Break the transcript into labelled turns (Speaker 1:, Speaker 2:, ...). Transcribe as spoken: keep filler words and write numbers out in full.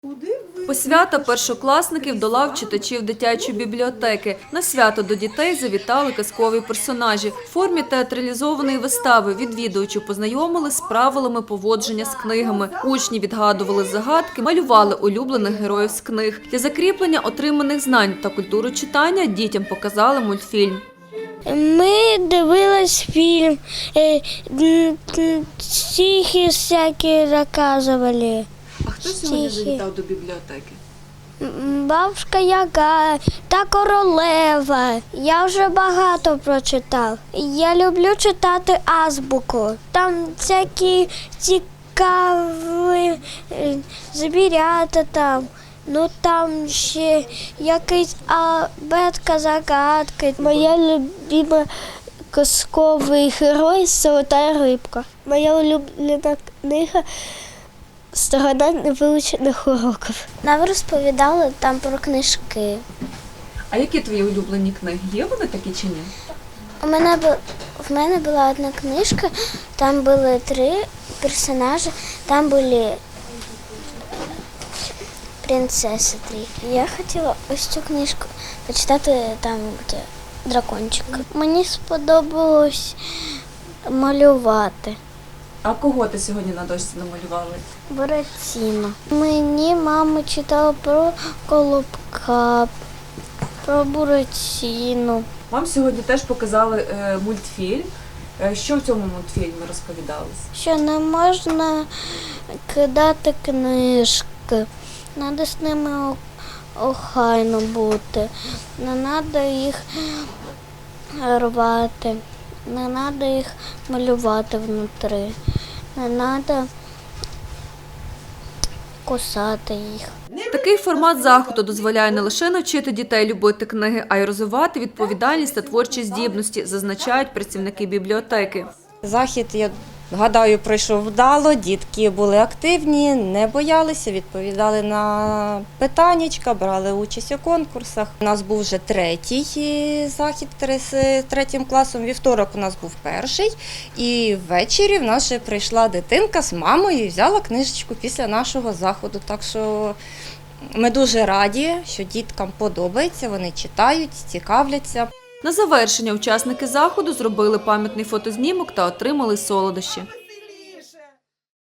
Speaker 1: Посвята першокласників до лав читачів дитячої бібліотеки. На свято до дітей завітали казкові персонажі. В формі театралізованої вистави відвідувачі познайомили з правилами поводження з книгами. Учні відгадували загадки, малювали улюблених героїв з книг. Для закріплення отриманих знань та культури читання дітям показали мультфільм.
Speaker 2: Ми дивились фільм, стихи всякі розказували.
Speaker 1: А хто сьогодні завітав до бібліотеки?
Speaker 2: Бабушка Яга та королева. Я вже багато прочитав. Я люблю читати азбуку. Там всякі цікаві звірята там. Ну там ще якийсь абетка загадки. Моя любима казковий герой «Золота рибка». Моя улюблена книга «Сторона невивчених уроків». Нам розповідали там про книжки.
Speaker 1: А які твої улюблені книги? Є вони такі чи ні?
Speaker 2: У мене бу... в мене була одна книжка, там були три персонажі, там були принцеси три. Я хотіла ось цю книжку почитати, там де дракончик. Мені сподобалось малювати.
Speaker 1: А кого ти сьогодні на дошці намалювали?
Speaker 2: Буратіно. Мені мама читала про Колобка, про Буратіно.
Speaker 1: Вам сьогодні теж показали е, мультфільм. Е, що в цьому мультфільмі розповідалось?
Speaker 2: Що не можна кидати книжки, треба з ними охайно бути, не треба їх рвати, не треба їх малювати внутрі, не треба кусати їх.
Speaker 1: Такий формат заходу дозволяє не лише навчити дітей любити книги, а й розвивати відповідальність та творчі здібності, зазначають працівники бібліотеки.
Speaker 3: Захід, я гадаю, пройшов вдало, дітки були активні, не боялися, відповідали на питаннячка, брали участь у конкурсах. У нас був вже третій захід з третім класом, вівторок у нас був перший, і ввечері в нас вже прийшла дитинка з мамою і взяла книжечку після нашого заходу. Так що ми дуже раді, що діткам подобається, вони читають, цікавляться.
Speaker 1: На завершення учасники заходу зробили пам'ятний фотознімок та отримали солодощі.